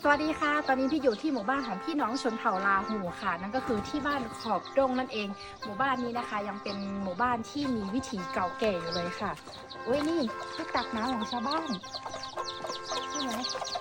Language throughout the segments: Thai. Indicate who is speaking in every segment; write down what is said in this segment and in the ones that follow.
Speaker 1: สวัสดีค่ะ ตอนนี้พี่อยู่ที่หมู่บ้านของพี่น้องชนเผ่าลาหูค่ะ นั่นก็คือที่บ้านขอบดงนั่นเอง หมู่บ้านนี้นะคะ ยังเป็นหมู่บ้านที่มีวิถีเก่าแก่อยู่เลยค่ะเว้ยนี่ที่ตักน้ำของชาวบ้านใช่ไหม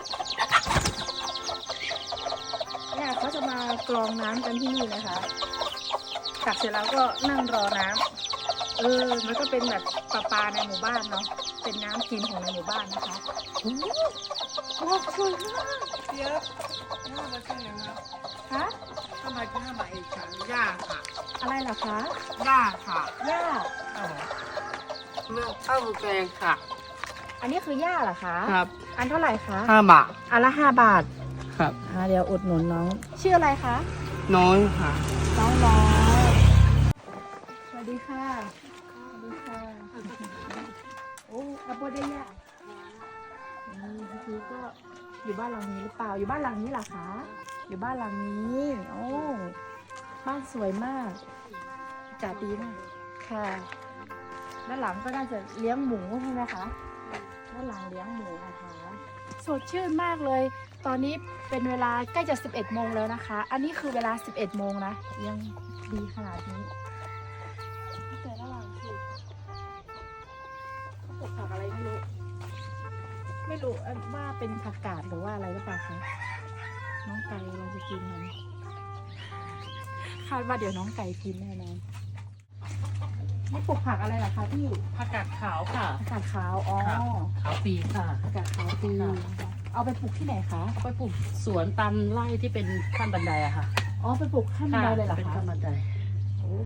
Speaker 1: เนี่ยเขาจะมากรองน้ำกันที่นี่นะคะตักเสร็จแล้วก็นั่งรอน้ำมันก็เป็นแบบประปาในหมู่บ้านเนาะเป็นน้ำกินของในหมู่บ้านนะคะโอ้โหสวยมาก
Speaker 2: เยอะน่ามาที่ไหนมา
Speaker 1: ฮะ
Speaker 2: ทำไมที่ห้ามาเอกฉันย่าค่ะ
Speaker 1: อะไรเหรอคะ
Speaker 2: ย่าค่ะ
Speaker 1: หญ้า
Speaker 2: เลือกข้าวหมูแกงค่ะ
Speaker 1: อันนี้คือหญ้าเหรอคะ
Speaker 2: ครับ
Speaker 1: อันเท่าไหร่คะ
Speaker 2: 5 บาท
Speaker 1: อันละ5 บาท
Speaker 2: ครับ
Speaker 1: เดี๋ยวอุดหนุนน้อง ชื่ออะไรคะ
Speaker 2: น้อยค่ะ
Speaker 1: น้องน้อยสวัสดีค่ะสวัสดีค่ะโอ้อาโบเดียคือก็อยู่บ้านหลังนี้หรือเปล่า อยู่บ้านหลังนี้เหรอคะ อยู่บ้านหลังนี้ โอ้บ้านสวยมากอากาศดีมากค่ะด้านหลังก็น่าจะเลี้ยงหมูใช่ไหมคะด้านหลังเลี้ยงหมูนะคะสดชื่นมากเลย ตอนนี้เป็นเวลาใกล้จะ11 โมงแล้วนะคะ อันนี้คือเวลา11 โมงนะยังดีขนาดนี้แต่ระหว่างคือเขาปลูกผักอะไรไม่รู้ว่าเป็นผักกาดหรือว่าอะไรหรือเปล่าคะน้องไก่เราจะกินมันคาดว่าเดี๋ยวน้องไก่กินแน่นอนนี่ปลูกผักอะไรล่ะคะพี่
Speaker 2: ผักกาดขาวค่ะ
Speaker 1: ผักกาดขาวอ๋อ
Speaker 2: ครับ ขาวปีค่ะ
Speaker 1: ผักกาดขาวปี
Speaker 2: ค่ะ
Speaker 1: เอาไปปลูกที่ไหนคะ
Speaker 2: เอาไปปลูกสวนตามไร่ที่เป็นขั้นบันไดอะค่ะ
Speaker 1: อ๋อไปปลูกขั้นบันไดเลยเหรอ
Speaker 2: เป็น
Speaker 1: คะ
Speaker 2: ขั้นบันได